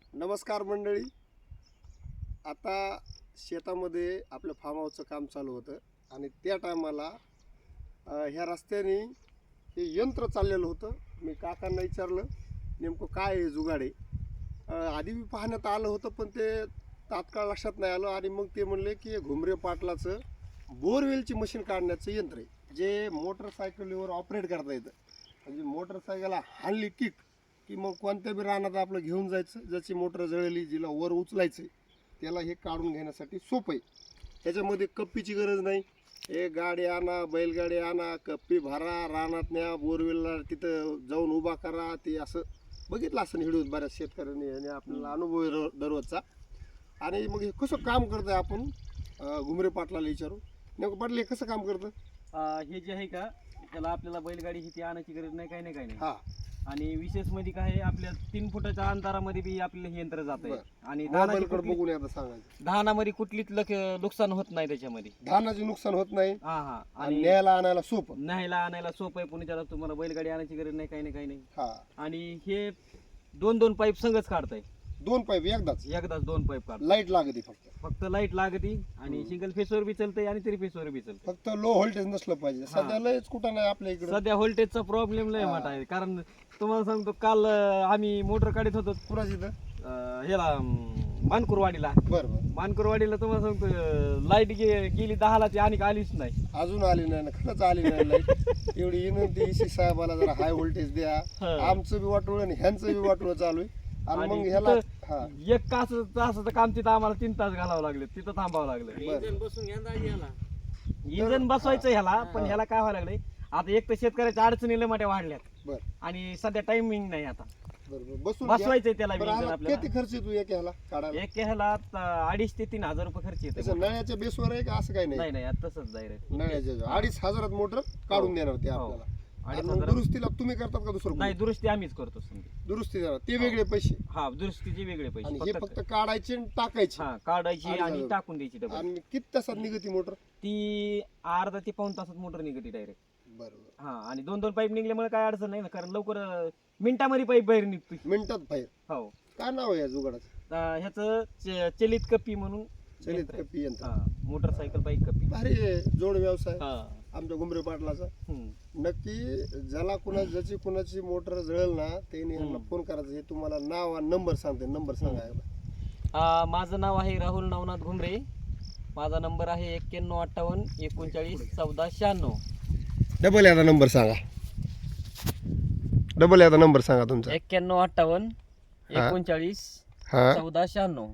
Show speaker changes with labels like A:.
A: नमस्कार मंडळी. आता शेतामध्ये आपलं फार्म हाऊसचं काम चालू होतं आणि त्या टायमाला ह्या रस्त्याने हे यंत्र चाललेलं होतं. मी काकांना विचारलं नेमकं काय आहे जुगाडे. आधी मी पाहण्यात आलं होतं पण ते तात्काळ लक्षात नाही आलं आणि मग ते म्हणले की हे घुमरे पाटलाचं बोरवेलची मशीन काढण्याचं यंत्र आहे जे मोटरसायकलीवर ऑपरेट करता येतं. म्हणजे मोटरसायकलला हाणली किक की मग कोणत्या बी रानात आपलं घेऊन जायचं, ज्याची मोटर जळली जिला वर उचलायचं त्याला हे काढून घेण्यासाठी सोपं आहे. ह्याच्यामध्ये कप्पीची गरज नाही. हे गाडी आणा, बैलगाडी आणा, कप्पी भरा, रानात न्या, बोरवेलला तिथं जाऊन उभा करा. ते असं बघितलं असं व्हिडिओ बऱ्याच शेतकऱ्यांनी आणि आपल्याला अनुभव आहे दररोजचा. आणि मग हे कसं काम करतं आपण घुमरे पाटलाला विचारू. नेमकं पाटील हे कसं काम करतं?
B: हे जे आहे का त्याला आपल्याला बैलगाडी ही ती आणायची गरज नाही, काही नाही.
A: हां,
B: आणि विशेष मध्ये काय आहे, आपल्या 3 फुटाच्या अंतरामध्ये बी आपल्याला हे यंत्र जात आहे. आणि
A: मोबाईलकडे बघून आता सांगायचं.
B: धानामध्ये कुठलीच नुकसान होत नाही त्याच्यामध्ये.
A: धानाचे नुकसान होत नाही
B: हा
A: आणि न्यायला आणायला सोपं.
B: न्यायला आणायला सोपं आहे. पुणे त्याला तुम्हाला बैलगाडी आणायची गरज नाही, काही नाही.
A: हा,
B: आणि हे 2 पाईप संगच काढताय.
A: 2 पाईप एकदाच
B: 2 पाईप काढ.
A: लाईट लागते
B: फक्त लाईट लागती आणि सिंगल फेसवर बी चालतंय आणि 3 फेसवर बी चालतंय.
A: फक्त लो व्होल्टेज नसलं पाहिजे. सध्या लयच कुठं नाही आपल्या इकडे.
B: सध्या व्होल्टेजचा प्रॉब्लेम लय मोठा आहे. कारण तुम्हाला सांगतो, काल आम्ही मोटर काढत होतो
A: कुणाच इथं
B: ह्याला मानकुरवाडीला.
A: बरं
B: मानकुरवाडीला तुम्हाला सांगतो लाईट गेली 10ला ती आणि आलीच नाही.
A: अजून आली नाही ना, खरंच आली नाही लाईट. एवढी विनंती ईसी साहेबाला जरा हाय व्होल्टेज द्या. आमचं बी वाटोळ आणि ह्यांचं बी वाटोळ चालू आहे. आणि मग ह्याला हा
B: 1 तासाचं काम तिथं आम्हाला 3 तास घालावं लागले, तिथं थांबावं लागलं. इंजन बसवायचं ह्याला, पण ह्याला काय व्हायला लागलंय आता, एक तर शेतकऱ्याच्या अडचणी लय मोठ्या वाढल्यात
A: बरं
B: आणि सध्या टायमिंग नाही. आता
A: बरं बसून घ्या.
B: बसवायचंय त्याला
A: बरं,
B: इंजन
A: आम्हाला
B: आपल्याला.
A: किती खर्च येतो एक ह्याला काढायला?
B: एक ह्याला 2,500 ते 3,000 रुपये खर्च येतो.
A: त्याचं नळ्याच्या बेसवर आहे का असं काही नाही?
B: नाही आता तसंच डायरेक्ट
A: नळ्याच्या 2,500 मोटर काढून देणार ते आपल्याला. आणि मग दुरुस्तीला तुम्ही करतात का दुसरं
B: नाही,
A: कोणी?
B: दुरुस्ती आम्हीच करतो समजा.
A: दुरुस्ती देणार ते वेगळे पैसे
B: हा, दुरुस्तीचे वेगळे पैसे.
A: आणि हे फक्त काढायचे आणि टाकायचे.
B: हा, काढायची आणि
A: आणि
B: टाकून द्यायची डबल.
A: आणि किती तासात निघती मोटर?
B: ती अर्धा ते पाऊण तासात मोटर निघते डायरेक्ट.
A: बरोबर,
B: हा, आणि 2 पाईप निघल्यामुळे काय अडचण नाही ना, कारण लवकर मिनिटामध्ये पाईप बाहेर निघतोय.
A: मिनिटात बाहेर.
B: हो.
A: काय नाव आहे या जुगाडाचं?
B: ह्याचं चलित कप्पी म्हणून
A: चलित
B: यंत्र आहे.
A: कप्पी यंत्र.
B: हा, मोटरसायकल बाईक कप्पी.
A: भारी आहे जोड व्यवसाय
B: हा.
A: आमच्या घुमरे पाटलाचा.
B: हम्म.
A: नक्की ज्याला ज्याची कुणाची मोटर जळेल ना त्यांनी ह्यांना फोन करायचं. हे तुम्हाला नाव आणि नंबर सांगते. नंबर सांगा एकदा.
B: माझं नाव आहे राहुल नवनाथ घुमरे. माझा नंबर आहे 9158 39 14 96.
A: डबल याचा नंबर सांगा. डबल याचा नंबर सांगा तुमचा.
B: 9158 39
A: हा
B: 14 96.